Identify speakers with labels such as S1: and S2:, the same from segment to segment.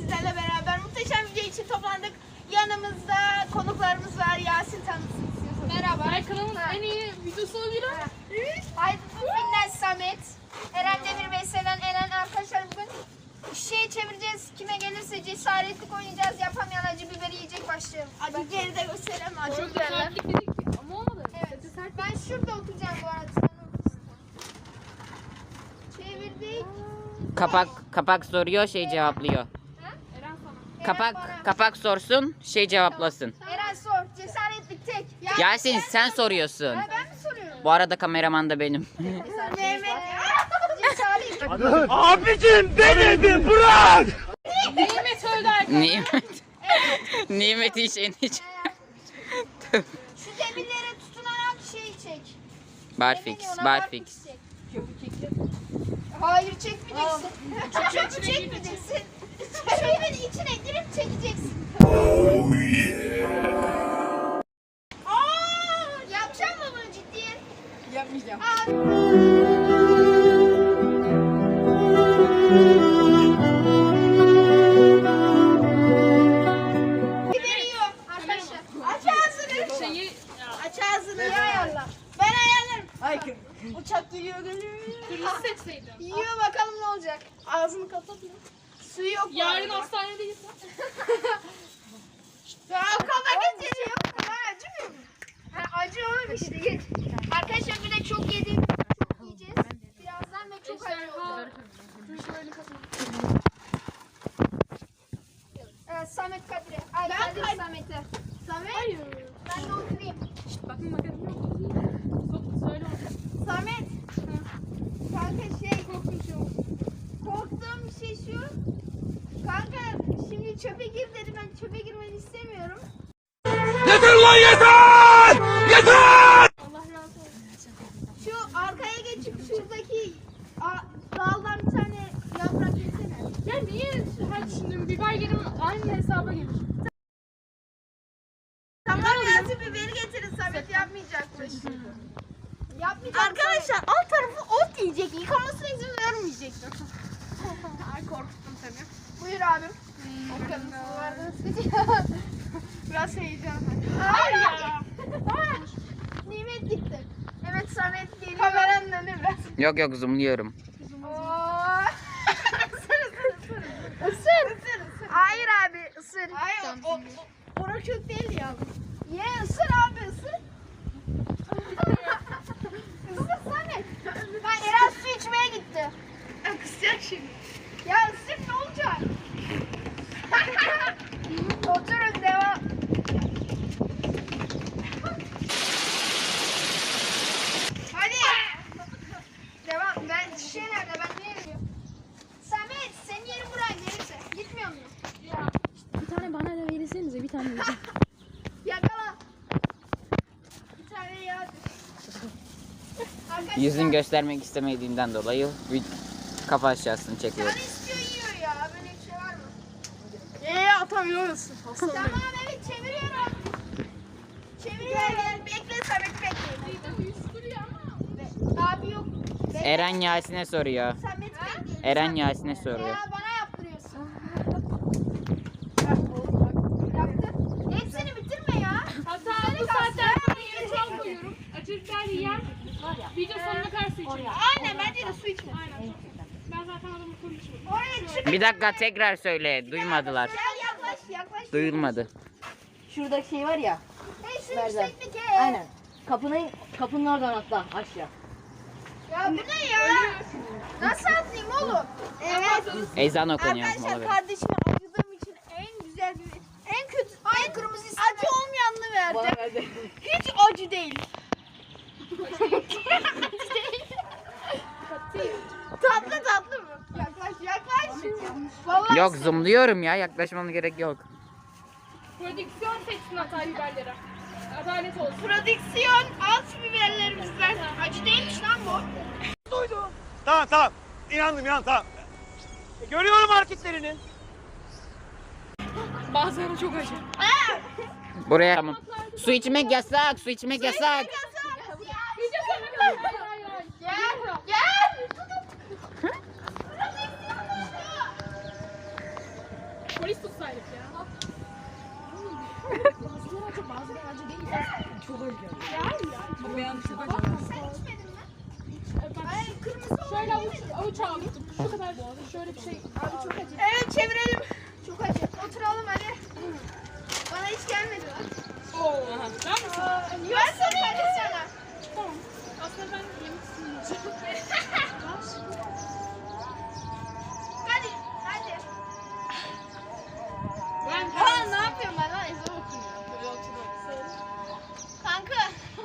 S1: sizlerle beraber muhteşem video için toplandık. Yanımızda konuklarımız var. Yasin tanısın istiyorsanız.
S2: Merhaba. Kanalımın en iyi videosu olabilir.
S1: Aydın Finnes Samet. Eren Demir ve Selen Eren arkadaşlar bugün şişeyi çevireceğiz. Kime gelirse cesaretlik oynayacağız. Yapamayan acı biberi yiyecek başlayalım. Acı biberi de gösterelim. Acı biberler.
S2: Ama olmadı.
S1: Evet. Ben şurada oturacağım bu arada. Sen otursun. Çevirdik.
S3: Kapak soruyor, şey cevaplıyor.
S2: Eren sana.
S3: Kapak sorsun, şey cevaplasın.
S1: Eren sor. Cesaretlik tek.
S3: Yasin sen soruyorsun.
S1: Ha, ben mi soruyorum?
S3: Bu arada kameraman da benim.
S1: Mehmet. Cesaretlik.
S4: Abicim beni bırak!
S2: Nimet öldü arkadaşlar.
S3: Nimet. Nimet hiç eniş.
S1: Şu demirlere tutunarak şey çek.
S3: Barfix,
S1: Ne deniyor ona?
S3: barfix.
S1: çek. Hayır çekmeyeceksin. Çöpü çekmeyeceksin. Çöpün içine girip çekeceksin. Yapacak mı bunu ciddiye?
S2: Yapmayacağım.
S1: Veriyor arkadaşlar. Aç ağzını. Aç ağzını ya ayarla. Ben ayarlarım.
S2: Ay
S1: Uçak geliyor geliyor.
S2: kırmızı seçseydim.
S1: Yiyor bakalım ne olacak. Ağzını kapat ya. Suyu yok.
S2: Yarın hastanedeyiz.
S1: Ya kafa geçiriyor. Ben acımıyor mu? Ha, acı oğlum işte geç. Arkadaşlar bir de çok yedik. Çok yiyeceğiz. Birazdan ve çok acı oldu. Evet Samet Kadir'e. Ay Kadir Samet'e. Samet.
S2: Hayır.
S1: Ben de oturayım.
S2: Bakın bakalım yok. Söyle onu.
S1: Samet. Kanka korktuğum şey şu. Kanka şimdi çöpe gir dedi. Ben çöpe girmeni istemiyorum.
S4: Yeter lan yeter! Yeter!
S2: Allah razı olsun.
S1: Şu arkaya geçip şuradaki daldan bir tane yaprak yesene.
S2: Ya niye her şimdi biber yerim aynı hesaba gelir.
S1: Tamam Yasin biberi getirin Samet yapmayacakmış. Yapmayacak. Arkadaşlar alt tarafı ot yiyecek. Yıkamasına izin vermeyecek.
S2: Ay korkuttum seni.
S1: Buyur abim. O kadın vardı.
S2: Biraz heyecan.
S1: Hayır ya. Nimet gitti. Evet Samet geliyor. Kameranın önüne biraz.
S3: Yok zoomluyorum.
S1: Isır. Hayır abi ısır. Hayır o çok değil ya. Ye ısır abi ısır. Isır Samet. Ben Eren su içmeye gitti.
S2: Kısacak şimdi.
S1: Ya ısır ne olacak? Oturun devam. Hadi. Devam. Ben şişe nerede? Ben niye gidiyorum? Samet senin yerin buraya gelirse. Gitmiyor musun?
S2: Bir tane bana da verirsenize bir tane vereceğim.
S1: Yakala. Bir tane yağ. Arkadaşlar,
S3: Yüzün göstermek istemediğinden dolayı bir kafa aşağısını
S1: canı
S3: çekiyorum.
S1: istiyor yiyor ya. Böyle bir şey var mı?
S2: Atamıyorsun.
S1: Tamam evet çeviriyorum. Çeviriyorum. Bekle Samet bekle.
S2: Uyuşturuyor ama.
S1: Abi yok.
S3: Eren Yasin'e soruyor.
S1: Samet bekle.
S3: Eren Yasin'e soruyor.
S1: Ya bana yaptırıyorsun. Yaptı. Hepsini bitirme ya.
S2: Hatta bu saatten sonra yere çal koyuyorum. Açırken yiyen video sonuna kadar su içiyor.
S1: Aynen bence de su içme.
S2: Aynen. Ben zaten adamı full içiyorum.
S1: Oraya çık.
S3: Bir dakika tekrar söyle. Duymadılar.
S1: Gel yaklaş.
S3: Duyulmadı.
S5: Şuradaki şey var ya.
S1: Hey şu
S5: Nereden?
S1: yükseklik he.
S5: Aynen. Kapının oradan atla aşağı.
S1: Ya bu ne ya? Nasıl atlayayım oğlum? Evet.
S3: Ezan okunuyor.
S1: Arkadaşlar
S3: mola verin.
S1: kardeşime acıdığım için en güzel bir en kötü en kırmızı acı olmayanını
S5: Bana
S1: verdim.
S5: verdi.
S1: Hiç acı değil. tatlı mı? Yaklaş. Vallahi
S3: Yok zoomluyorum ya. Yaklaşmana gerek yok.
S2: Prodüksiyon seçsin Hatay biberleri. Adalet olsun.
S1: prodüksiyon alt biberlerimizden. Acı değilmiş lan bu.
S4: Tamam. İnandım tamam. Görüyorum hareketlerini.
S2: Bazıları çok acı.
S3: Buraya tamam. Su içmek yasak. Su içmek yasak.
S2: Video sonuna kadar. Hayır.
S1: Gel.
S2: Polis tutsaydık ya. Şöyle avuç aldım. Şu kadar şöyle bir şey.
S1: Abi çok acı. Evet çevirelim. Çok acı. Oturalım hadi. Bana hiç gelmedi lan.
S2: Ben misin?
S1: Ben soruyorum sana.
S2: Tamam. Aslında ben yemek istemiyorum.
S1: Hadi. Hadi.
S2: Ben
S1: Ha ne yapıyorum ben lan? Ezber okuyayım ya. Böyle oturuyorum. Kanka.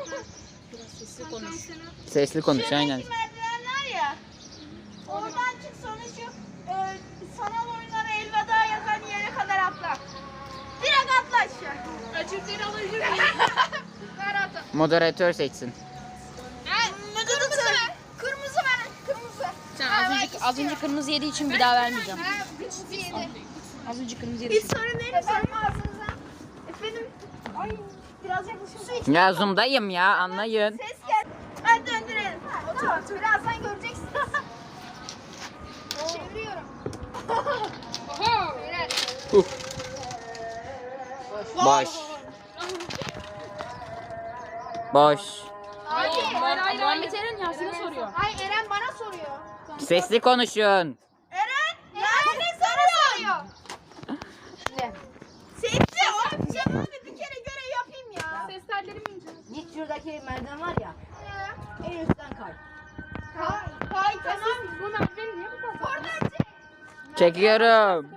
S3: Sesli konuş aynen.
S1: Şuradaki merdiven var ya. Oradan çık sonra şu sanal oyunlara elveda yazan yere kadar atla. Direkt atla aşağı.
S2: acıkları alabilir miyim?
S1: Ver atla.
S3: Moderatör seçsin.
S1: Kırmızı ver. Kırmızı ver. Kırmızı.
S5: Az önce kırmızı yediği için bir daha vermeyeceğim.
S1: Ha, kırmızı yedi.
S5: Az önce kırmızı yediği
S1: Bir
S5: için.
S1: sorun değil mi? Efendim ağzınıza. Efendim. Ay biraz yaklaşık su iç.
S3: Ya zoom'dayım ya anlayın.
S1: Ses gel. Hadi döndürelim. Otur. Birazdan göreceksiniz. Çeviriyorum. Beyler.
S3: Boş. Boş.
S1: Hadi.
S2: Hayır. Muhammed Eren Yasin'e soruyor.
S1: Ay Eren bana soruyor.
S3: Sesli konuşun.
S1: Eren Yasin'e soruyor.
S5: Ne?
S1: Sesli o. Cevabı bir kere göre yapayım ya.
S2: Ses tellerimi ince.
S5: Git şuradaki merdiven var ya.
S1: Ya.
S5: En üstten kay.
S1: Kay tamam.
S2: Bu merdiveni niye bu kadar?
S1: Oradan çek.
S3: Çekiyorum.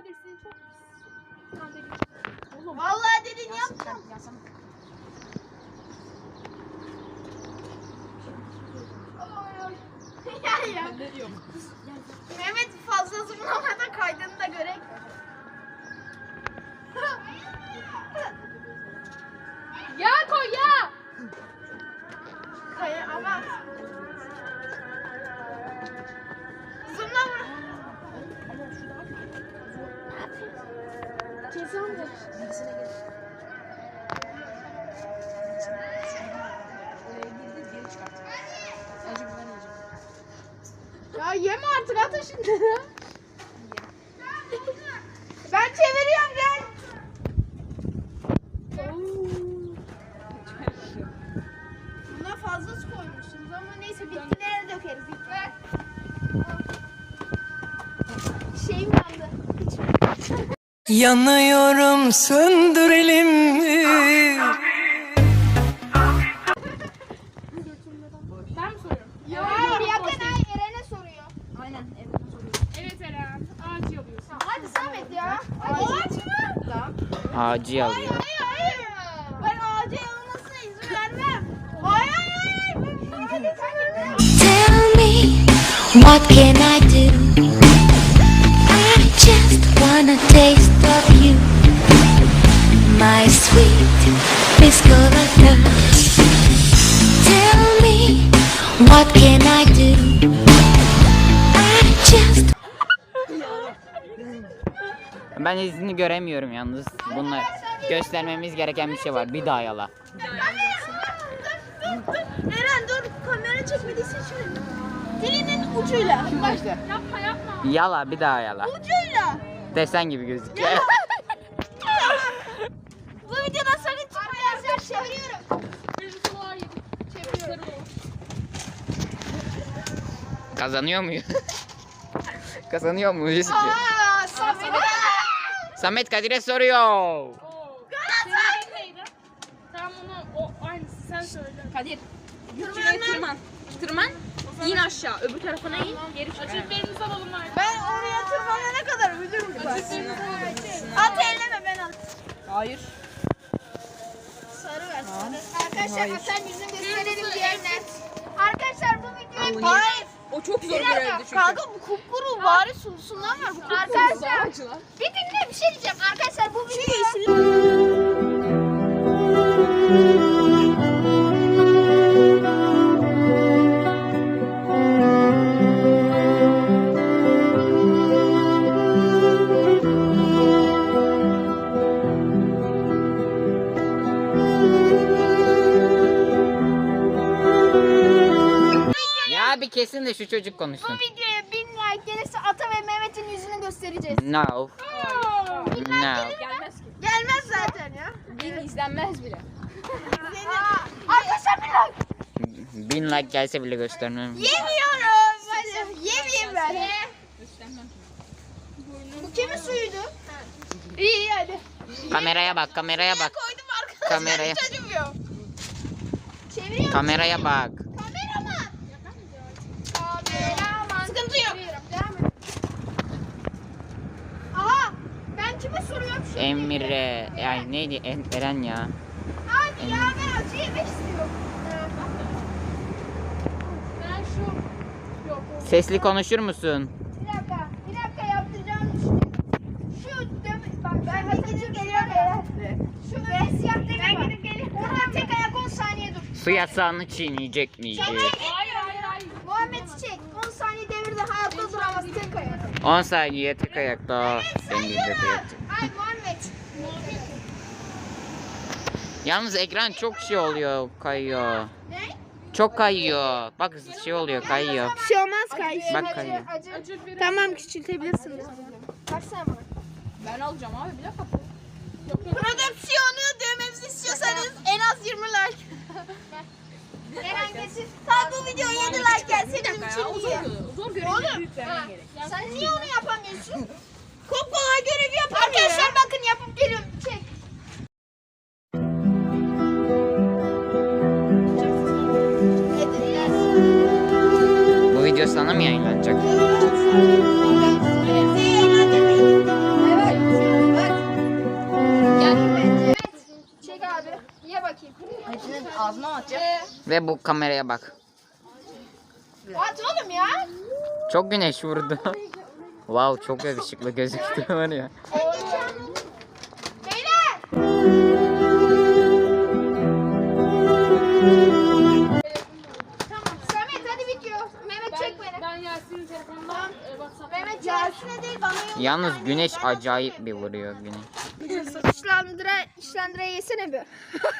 S1: Vallahi dedin yaptım. Ya. Mehmet fazla zıplamadan kaydını da görek.
S2: Ya koy ya.
S1: Kaya ama. Zoomlama. Ya yeme artık atın şunları. Ben çeviriyorum gel. Buna fazla su koymuşsunuz ama neyse bitkilere dökeriz. Ver. Şeyim yandı.
S6: Yanıyorum söndürelim mi?
S2: Ben mi soruyorum?
S1: Ya yakın ay Eren'e soruyor.
S5: Aynen.
S2: Evet Eren. Ağacı alıyorsun.
S1: Hadi Samet ya. Ağaç mı?
S5: Tamam.
S3: Ağacı alıyor.
S1: Hayır. Ben ağaca yanılmasına izin vermem. Hayır. Hadi sen git.
S7: Tell me, what can I do? I just wanna taste of you, my sweet Piscolata. Tell me, what can I do? I just
S3: Ben izini göremiyorum yalnız. Bunlar göstermemiz gereken bir şey var. Bir daha yala.
S1: Eren dur kamera çekmediyse şimdi. Dilinin ucuyla. Başla.
S2: Yapma yapma.
S3: Yala bir daha yala.
S1: Ucuyla.
S3: Desen gibi gözüküyor.
S1: Bu videodan sakın çıkmayın. Çeviriyorum.
S2: Bir suluğa yedim. Çeviriyorum.
S3: Kazanıyor muyuz? Kazanıyor muyuz?
S1: Aa Samet.
S3: Samet Kadir'e soruyor.
S2: Senin neydi? Tamam onu o aynısı sen söyle.
S5: Kadir. Şuraya tırman. Tırman. İn aşağı. Öbür tarafına in. Geri çık.
S2: Acıklarınızı alalım artık.
S1: Ben oraya tırmanana kadar ölürüm. At elleme ben at.
S5: Hayır.
S1: Sarı ver sarı. Arkadaşlar atan yüzünü gösterelim diğerine. Arkadaşlar bu videoyu hayır.
S5: O çok zor
S1: Bir dakika. Kanka bu kupkuru bari sulusundan var. Arkadaşlar bir dinle bir şey diyeceğim. Arkadaşlar bu videoyu
S3: Ya bir kesin de şu çocuk konuşsun.
S1: bu videoya 1000 like gelirse Ata ve Mehmet'in yüzünü göstereceğiz.
S3: No. No.
S5: Gelmez ki.
S1: Gelmez zaten ya.
S5: Bin izlenmez bile.
S1: Arkadaşlar bir like.
S3: 1000 like gelse bile göstermem.
S1: Yemiyorum. Hadi. Yemeyeyim ben.
S5: İstemem.
S1: Bu kimin suyuydu? İyi hadi.
S3: Kameraya bak, kameraya bak.
S1: Koydum arkadaşlar.
S3: Kameraya.
S1: Hiç acımıyor. Çeviriyorum.
S3: Kameraya bak.
S1: Kameraman. Kameraman. Sıkıntı yok. Devam et. Aha. Ben kime soruyorum şimdi?
S3: Emre. Ay neydi? Eren ya.
S1: Abi ya ben acı yemek istiyorum.
S2: Ben şu... Yok.
S3: Sesli konuşur musun?
S1: Bir dakika yaptıracağım düşünüyorum. Bak ben gidip geliyorum ya. Şu böyle siyah demir var. Oradan tek ayak 10 saniye dur.
S3: Su yasağını çiğneyecek miydi?
S2: Hayır.
S1: Muhammed çek. 10 saniye devirde hayatta duramaz tek ayak.
S3: 10 saniye tek ayakta.
S1: Sayıyorum. Ay Muhammed.
S3: Yalnız ekran çok şey oluyor, kayıyor.
S1: Ne?
S3: Çok kayıyor. Bak şey oluyor, kayıyor.
S1: Bir şey olmaz kardeşim.
S3: Bak kayıyor.
S2: Acır bir...
S1: Tamam küçültebilirsiniz. Kaçsana bana.
S5: Ben alacağım abi bir dakika.
S1: Prodüksiyonu dövmemizi istiyorsanız en az 20 like. Eren getir. Tam bu videoya 7 like gelse bizim için iyi.
S5: Zor görevi
S1: Oğlum.
S5: büyüklerden gerek.
S1: Sen niye onu yapamıyorsun? Çok kolay görevi yapamıyor. Arkadaşlar bakın yapıp geliyorum. Çek.
S3: Bu video sana mı yayınlanacak?
S1: Çek abi. Ye bakayım.
S5: Ağzına mı atacağım?
S3: Ve bu kameraya bak.
S1: At oğlum ya.
S3: Çok güneş vurdu. Wow, çok yakışıklı gözüktü var ya.
S1: Beyler. Tamam. Samet hadi bitiyor. Mehmet çek beni.
S2: Ben Yasin'in telefonundan WhatsApp'tan...
S1: Mehmet Yasin'e değil bana yok.
S3: Yalnız güneş acayip bir vuruyor güneş.
S1: İşlandıra yesene bir.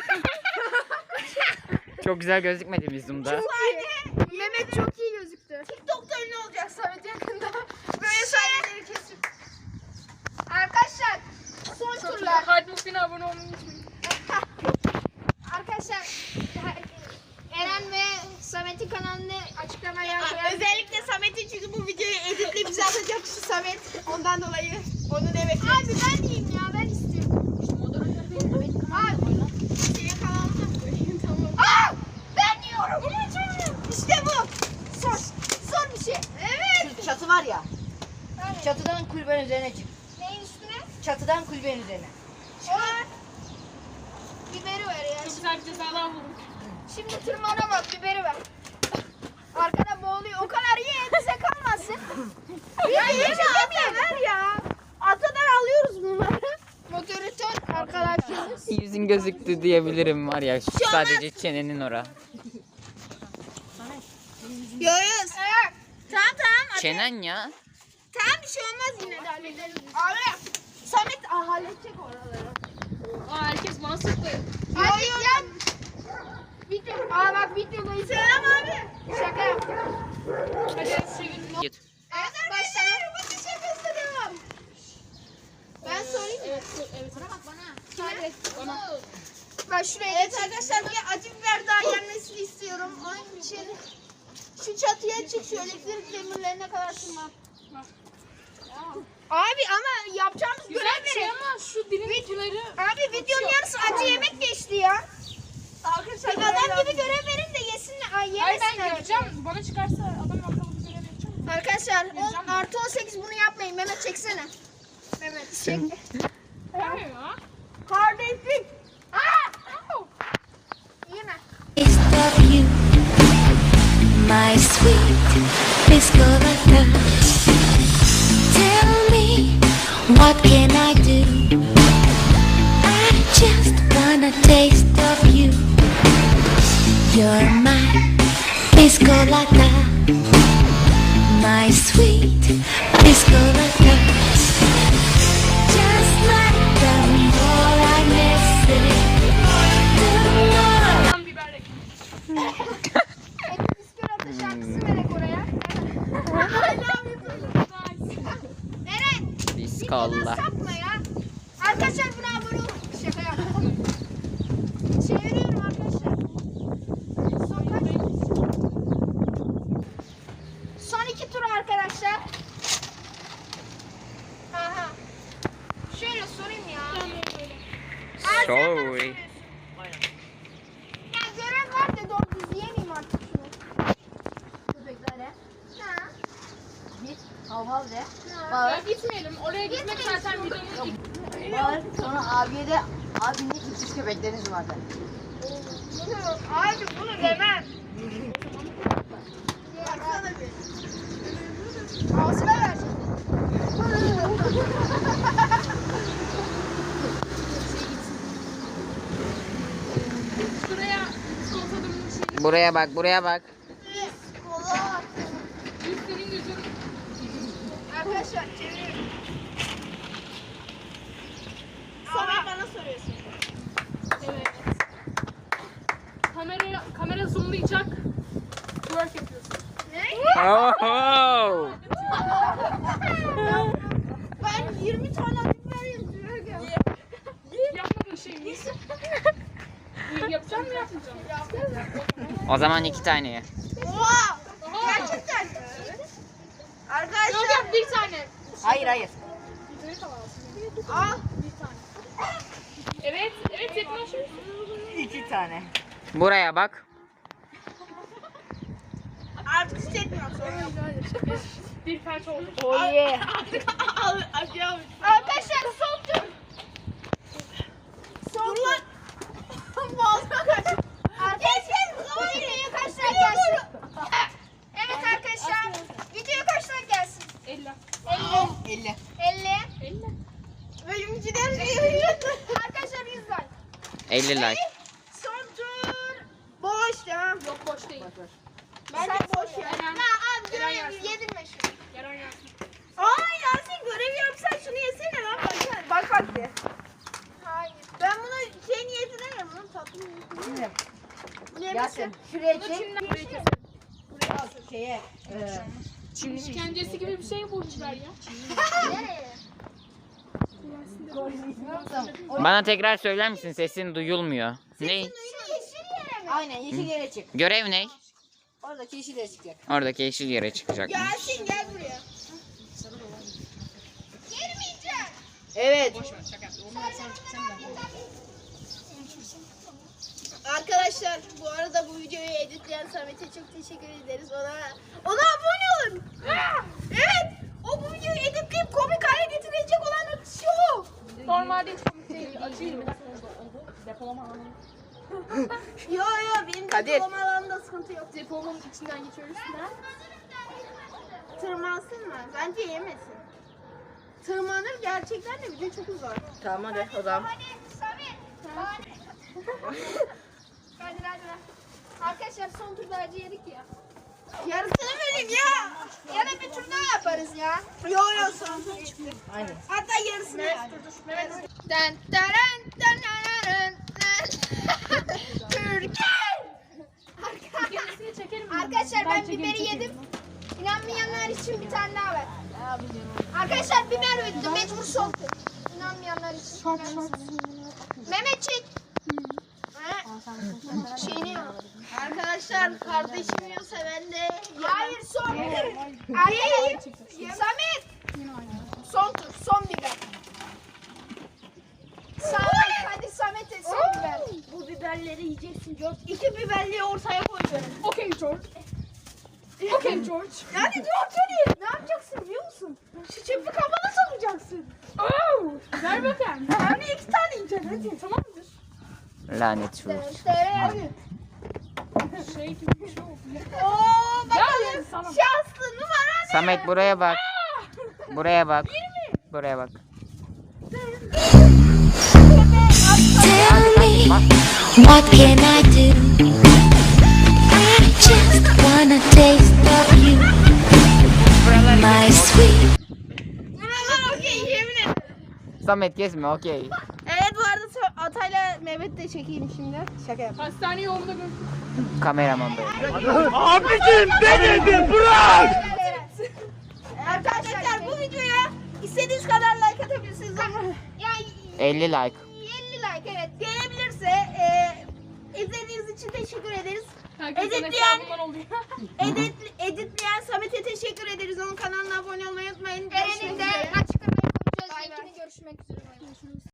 S3: Çok güzel gözükmedi mi zoom'da?
S1: Mehmet çok iyi gözüktü. TikTok'ta ünlü olacak Samet yakında. Böyle sahneleri kesip. Arkadaşlar son turlar.
S2: Hadi Muffin abone olmayı unutmayın.
S1: Arkadaşlar Eren ve Samet'in kanalını açıklamaya koyarım. Özellikle Samet'in çünkü bu videoyu editle bize atacak şu Samet. Ondan dolayı onu evet. Abi ben diyeyim ya ben istiyorum. Abi senin kanalını koyayım tamam. Aa! Ben yiyorum. İşte bu. Son bir şey. Evet.
S8: Çatı var ya.
S1: Evet.
S8: Çatıdan kulübenin üzerine çık.
S1: Neyin üstüne?
S8: Çatıdan kulübenin üzerine.
S1: Çıkar. Biberi ver ya.
S2: Çok güzel bir cezalar bulduk.
S1: Şimdi tırmana bak biberi ver. Arkada boğuluyor. O kadar ye bize kalmasın. Ya yeme ver ya. Atadan alıyoruz bunları. Moderatör arkadaşlarımız.
S3: Yüzün gözüktü diyebilirim var ya. Sadece çenenin ora.
S1: Yoyuz. Evet. Tamam.
S3: Çenen ya.
S1: Tamam bir şey olmaz yine de hallederiz. Abi. Samet halledecek oraları.
S2: Aa, herkes bana sıktı.
S1: Hadi yap. Video. Aa bak videodayız. Selam abi. Şaka yaptım.
S2: Hadi çevirin.
S3: Git.
S1: Evet arkadaşlar. Bu şakası devam. Ben sorayım mı?
S2: Evet.
S1: Bana bak bana. Hadi.
S2: Bana.
S1: Ben şuraya evet arkadaşlar bir acı biber daha yenmesini istiyorum. Onun için şu çatıya çık şu elektrik demirlerine kadar tırman. Abi ama yapacağımız
S2: Güzel bir şey
S1: görevleri.
S2: ama şu dilin uçları...
S1: Abi videonun yarısı acı yemek geçti ya. Arkadaşlar adam gibi görev verin de yesinler. Ay
S2: Hayır ben
S1: yemesinler.
S2: göreceğim. Bana çıkarsa adam akıllı bir görev yapacağım.
S1: Arkadaşlar 10 artı 18 bunu yapmayın. Mehmet çeksene. Mehmet çek.
S2: Yapmıyor ya.
S1: Kardeşlik. Yeme.
S7: Taste of you, my sweet Piscolata. Tell me, what can I do? I just wanna taste of you. You're my Piscolata, my sweet Piscolata. Just like the more I miss it, the more
S2: Tam biber ekmeği.
S1: Biskolata şarkısı verek oraya. Eren.
S3: Biskolla.
S1: Sapma ya. Arkadaşlar buna abone olun. Şaka yaptım. Çeviriyorum arkadaşlar. Son 2 tur arkadaşlar. Aha. Şöyle sorayım ya.
S3: Sorry.
S1: Ya görev var da doğru düz yemeyeyim artık şunu.
S8: Köpeklere.
S1: Ha.
S8: Git. Hav hav de.
S2: Ya
S8: Bağır.
S2: gitmeyelim. Oraya gitmek zaten videonun
S8: Bağır. Sonra abiye de abi ne ikiz köpekleriniz vardı.
S1: Abi bunu demem. Baksana bir. Ağzına ver.
S2: şuraya sponsorluğun şeyi.
S3: Buraya bak, buraya bak.
S1: Kola.
S2: Senin gözün.
S1: Arkadaşlar çeviriyorum. Sonra bana soruyorsun.
S2: Evet. Kamera zoomlayacak. Twerk yapıyorsun.
S1: Ne?
S3: Oh.
S1: Ben 20 tane biber yazıyorum.
S2: Yapmadığın şey mi? Yapacağım mı yapmayacağım?
S3: O zaman 2 tane ye.
S1: Oha! Gerçekten. Arkadaşlar.
S2: Yok yap bir tane.
S8: Hayır hayır.
S1: Al.
S2: Evet, evet yaklaşıyorsun.
S8: 2 tane.
S3: Buraya bak.
S1: Artık hissetmiyorum sonra.
S2: Bir felç oldu.
S1: Oh yeah. Arkadaşlar son tur. Son tur. Boğazıma kaç. Arkadaşlar hayır kaç like gelsin. Evet arkadaşlar. Video kaç like gelsin?
S2: 50.
S1: 50.
S8: 50.
S1: 50.
S2: 50.
S1: Bölümcüden arkadaşlar 100 like.
S3: 50 like.
S1: Son tur. Boş ya.
S2: Yok boş değil.
S1: Ben de boş ya.
S2: Eren.
S1: Ya abi
S2: Eren
S1: görev
S2: yersin.
S1: yedirme şunu.
S2: Yaran yansın.
S1: Aa Yasin görev yapsan şunu yesene lan baksana. Bak de. Hayır. Ben bunu şey niyetine yerim lan tatlı niyetine.
S8: Yasin şuraya çek.
S2: Çimden buraya keselim.
S8: Al şeye.
S2: İşkencesi gibi bir şey bulmuşlar ya.
S1: Nereye?
S3: Bana tekrar söyler misin? Sesin duyulmuyor. Ne?
S1: Şu yeşil yere mi?
S8: Aynen yeşil yere çık.
S3: Görev ne?
S8: Oradaki yeşil yere çıkacak.
S3: Oradaki yeşil yere çıkacak.
S1: Yasin gel buraya. Girmeyeceğim.
S8: Evet.
S1: Arkadaşlar bu arada bu videoyu editleyen Samet'e çok teşekkür ederiz. Ona abone olun. Evet. O bu videoyu editleyip komik hale getirecek olan o kişi o.
S2: Normalde hiç komik değil. Acıyım.
S1: Yo benim
S8: Kadir.
S1: diploma alanında sıkıntı yok.
S2: Depomun içinden geçiyoruz.
S1: Tırmansın mı? Bence yemesin. Tırmanır gerçekten de video çok uzar.
S8: Tamam hadi o zaman.
S1: Hadi Samet. Hadi. Arkadaşlar son turda acı yedik ya. Yarısını vereyim ya. Ya da bir tur daha yaparız ya. Yo son tur çıktı.
S8: Aynen.
S1: Hatta yarısını Dan daran dan Türkiye.
S2: Gerisini çekelim.
S1: Arkadaşlar ben biberi yedim. İnanmayanlar için bir tane daha ver. Arkadaşlar biber bitti. Mecbur son tur. İnanmayanlar için. Mehmet çek. Şeyini yok. Arkadaşlar kardeşim yiyorsa ben de hayır son tur. Hayır. Samet. Son tur. Son biber. Samet hadi Samet'e son biber. Bu biberleri yiyeceksin George. 2 biberliği ortaya koy böyle.
S2: Okey George. Okey George.
S1: Yani George hadi. Ne yapacaksın biliyor musun? Şu çöpü kafana sokacaksın.
S2: Oh, ver bakayım.
S1: Hem de 2 tane yiyeceksin hadi.
S2: Tamam mıdır?
S3: Lanet fruit.
S2: Şey gibi bir şey oldu.
S1: Oo
S2: Gel
S1: bakalım.
S2: sana.
S1: Şanslı numara ne?
S3: Samet buraya bak. Buraya bak. Buraya bak.
S7: Tell me, what can I do? I just wanna taste of you, my sweet.
S1: Buralar okey yemin ederim.
S3: Samet kesme okey.
S1: Evet bu arada Atay'la Mehmet de çekeyim şimdi. Şaka yap.
S2: Hastane yolunda gör.
S3: Kameraman böyle.
S4: Abicim denedim bırak.
S1: Arkadaşlar bu videoya istediğiniz kadar like atabilirsiniz ama ya
S3: 50 like.
S1: 50 like evet. Gelebilirse izlediğiniz için teşekkür ederiz.
S2: Herkesin
S1: Editleyen-
S2: hesabından oluyor.
S1: Editleyen Samet'e teşekkür ederiz. Onun kanalına abone olmayı unutmayın. Eren'in de açıklamaya koyacağız. Linkini görüşmek üzere.